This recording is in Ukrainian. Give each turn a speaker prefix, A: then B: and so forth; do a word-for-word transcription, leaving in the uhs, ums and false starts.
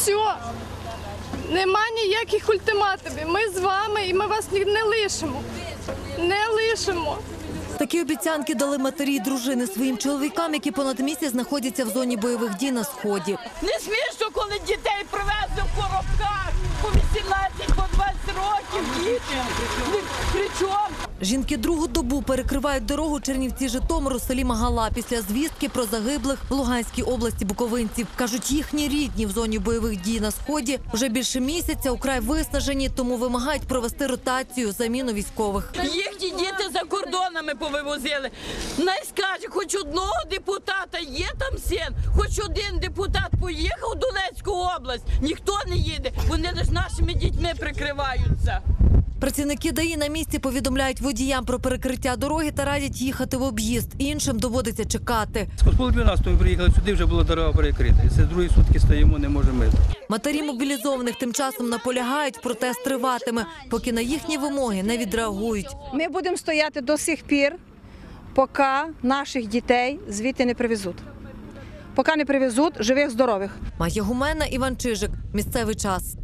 A: Все. Нема ніяких ультиматумів. Ми з вами і ми вас не лишимо. Не лишимо.
B: Такі обіцянки дали матері й дружини своїм чоловікам, які понад місяць знаходяться в зоні бойових дій на Сході.
C: Не смішно, коли дітей привезли в коробках по вісімнадцять, по двадцять років дітям. При чому?
B: Жінки другу добу перекривають дорогу Чернівці-Житомир у селі Магала після звістки про загиблих в Луганській області буковинців. Кажуть, їхні рідні в зоні бойових дій на Сході вже більше місяця украй виснажені, тому вимагають провести ротацію, заміну військових.
C: Їхні діти за кордонами повивозили. Най скаже, хоч одного депутата є там син, хоч один депутат поїхав у Донецьку область. Ніхто не їде, вони лише нашими дітьми прикриваються.
B: Працівники ДАІ на місці повідомляють водіям про перекриття дороги та радять їхати в об'їзд. Іншим доводиться чекати.
D: З пол дванадцятого ми приїхали сюди, вже була дорога перекрита. Це другі сутки стоїмо, не можемо.
B: Матері мобілізованих тим часом наполягають, протест триватиме, поки на їхні вимоги не відреагують.
E: Ми будемо стояти до сих пір, поки наших дітей звідти не привезуть. Поки не привезуть живих, здорових.
B: Майя Гумена, Іван Чижик. Місцевий час.